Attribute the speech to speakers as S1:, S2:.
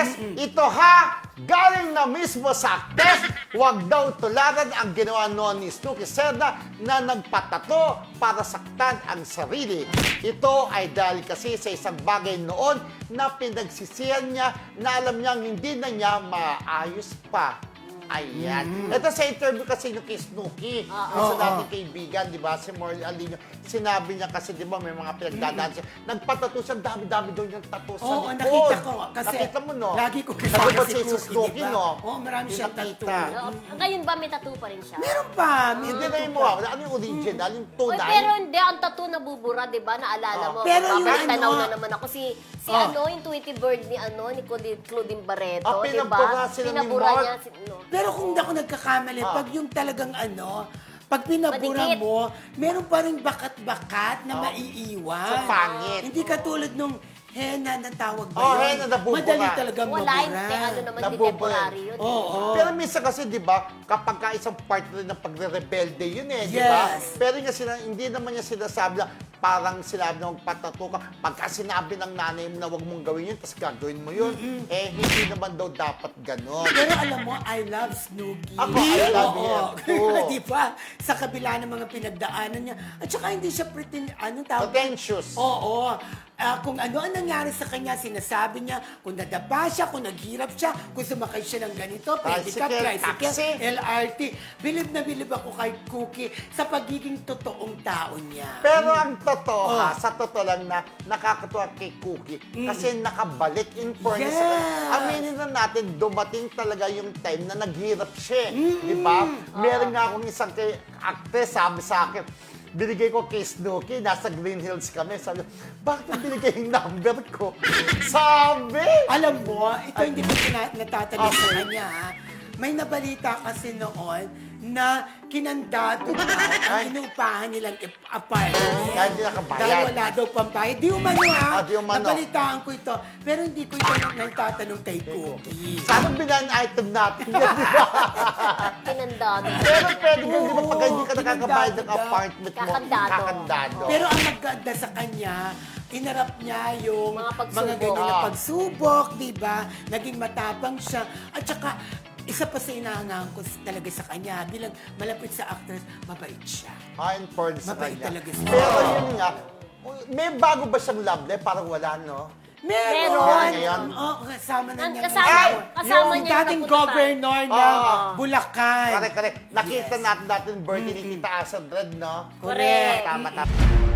S1: Marites, ito ha, galing na mismo sa aktres, huwag daw tularan ang ginawa noon ni Snooki Serna na nagpatato para saktan ang sarili. Ito ay dahil kasi sa isang bagay noon na pinagsisihan niya na alam niyang hindi na niya maayos pa. Ayan. Ito sa interview kasi yung kay Snooki, sa dating kaibigan, di ba, si Morley Alino, sinabi niya kasi, di ba, may mga pinagdadaan siya. Nagpatato siya, dami-dami daw niyang tato sa likod.
S2: Nakita ko. Kasi
S1: nakita mo, no?
S2: lagi ko kasama
S1: Nagpatato
S2: si
S1: sa
S2: Snooki,
S1: Snooki,
S2: diba?
S1: no?
S2: Oo, marami siyang tattoo.
S3: Ngayon ba may tattoo pa rin siya?
S2: Meron pa.
S1: Hindi na yung mukha. Ano yung original? Yung
S3: Oy,
S1: tunay?
S3: pero hindi, ang tattoo nabubura, di ba? Naalala mo.
S2: Pero yung
S3: Tanaw
S2: ano-
S3: na naman ako. Si yung Tweety Bird ni Claudine Barreto, di
S1: pinabura
S3: ba?
S1: sila ni
S3: Pinabura
S1: Mark.
S3: niya.
S2: Pero kung hindi ako nagkakamali, pag yung talagang pag pinabura
S3: Madikit.
S2: mo, meron pa rin bakat-bakat na maiiwan.
S1: So, pangit.
S2: Hindi katulad nung henna na tawag ba
S1: Oh,
S2: yun?
S1: henna nabubura.
S2: Madali talagang
S3: Wala,
S2: mabura.
S3: hindi, ano naman,
S1: Nabubura.
S3: temporary yun.
S2: Oo.
S1: Pero minsan kasi, di ba, kapag ka isang part rin ng pagre-rebelde yun di ba?
S2: Yes.
S1: Pero hindi naman niya sinasabi na parang sinabi na magpatato ka. Pagka sinabi ng nanay mo na huwag mong gawin yun, tapos gagawin mo yun, hindi naman daw dapat ganon.
S2: Pero alam mo, I love Snooki.
S1: Ako, I love
S2: Oo.
S1: him too.
S2: Di ba? Sa kabila ng mga pinagdaanan niya. At saka hindi siya anong tawag?
S1: Pretentious.
S2: Oo. Kung ano ang nangyari sa kanya, sinasabi niya, kung nadapa siya, kung naghirap siya, kung sumakay siya ng ganito, pedicab,
S1: Tricycle, taxi.
S2: LRT. Bilib na bilib ako kay Cookie sa pagiging totoong tao niya.
S1: Pero ang totoo sa totoo lang na nakakatuwa kay Cookie kasi nakabalik in fairness.
S2: Yes.
S1: Aminin na natin, dumating talaga yung time na naghirap siya. Di ba? Meron nga akong isang actress sabi sa akin, binigay ko kay Snooki, nasa Green Hills kami. Sabi, bakit mo binigay yung number ko? Sabi!
S2: Alam mo, ito hindi ko natatanong sa kanya, ha? May nabalita kasi noon na kinandado na ang inuupahan nilang apartment.
S1: Dahil di nakabayad.
S2: Dahil wala daw pambayad. Di umano, ha?
S1: Di umano.
S2: Nabalitaan ko ito. Pero hindi ko ito nagtatanong kay Cookie.
S1: Sana bilan item natin yan, di ba?
S3: Kinandado.
S1: Pero pwede din, di ba, pag
S2: Oo,
S1: hindi ka nakakabayad ng
S2: kinandado.
S1: apartment mo,
S3: Kakandado.
S1: kakandado.
S2: Pero ang maganda sa kanya, inarap niya yung
S3: Mga pagsubok.
S2: mga ganyan na pagsubok, di ba? Naging matapang siya. At saka, isa pa sa inaangahan ko talaga sa kanya, bilang malapit sa actress, mabait siya.
S1: In fairness sa
S2: Mabait
S1: kanya.
S2: talaga siya.
S1: Pero yun nga, may bago ba siyang love life? Parang wala, no?
S2: Meron!
S1: Meron.
S2: Oo, kasama na niya.
S3: Kasama
S2: yung
S3: niya yung
S2: dating
S3: napunta
S2: governor ng Bulacan.
S1: Correct. Nakita
S2: Yes.
S1: natin birthday ni Tita Asa Dread, no?
S3: Correct.
S1: Tama.